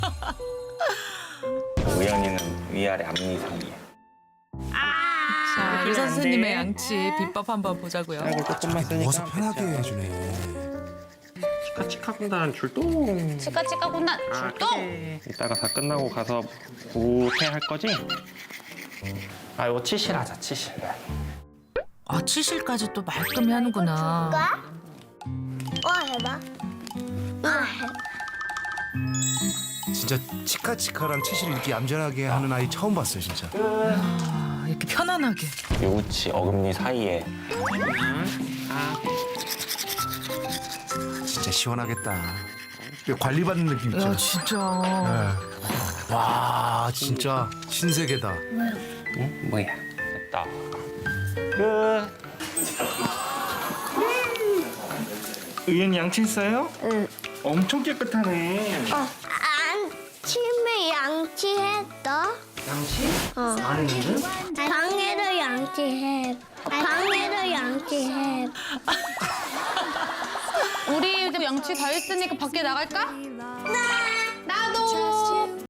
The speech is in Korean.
우연이는 위아래 앞니 사이에. 자, 의사 선생님의 양치 비법 한번 보자고요. 아이고 조금만 쓰니까. 누워서 편하게 해주네. 치카치카군단 출동. 치카치카 군단 출동. 그래. 이따가 다 끝나고 가서 우태 할 거지? 아 이거 치실하자 치실. 아, 치실까지 또 말끔히 하는구나. 해봐. 해봐. 진짜 치카치카랑 치실을 이렇게 얌전하게 하는 아이 처음 봤어요, 진짜. 아, 이렇게 편안하게. 요치 어금니 사이에. 진짜 시원하겠다. 관리받는 느낌 야, 있잖아. 진짜. 네. 와, 진짜 신세계다. 응? 뭐야? 됐다. 끝. 의연이 양치했어요? 응. 엄청 깨끗하네. 아침에 양치했어? 양치? 안 했는데? 방에도 양치해. 방에도 양치해. 우리 이제 양치 다 했으니까 밖에 나갈까? 나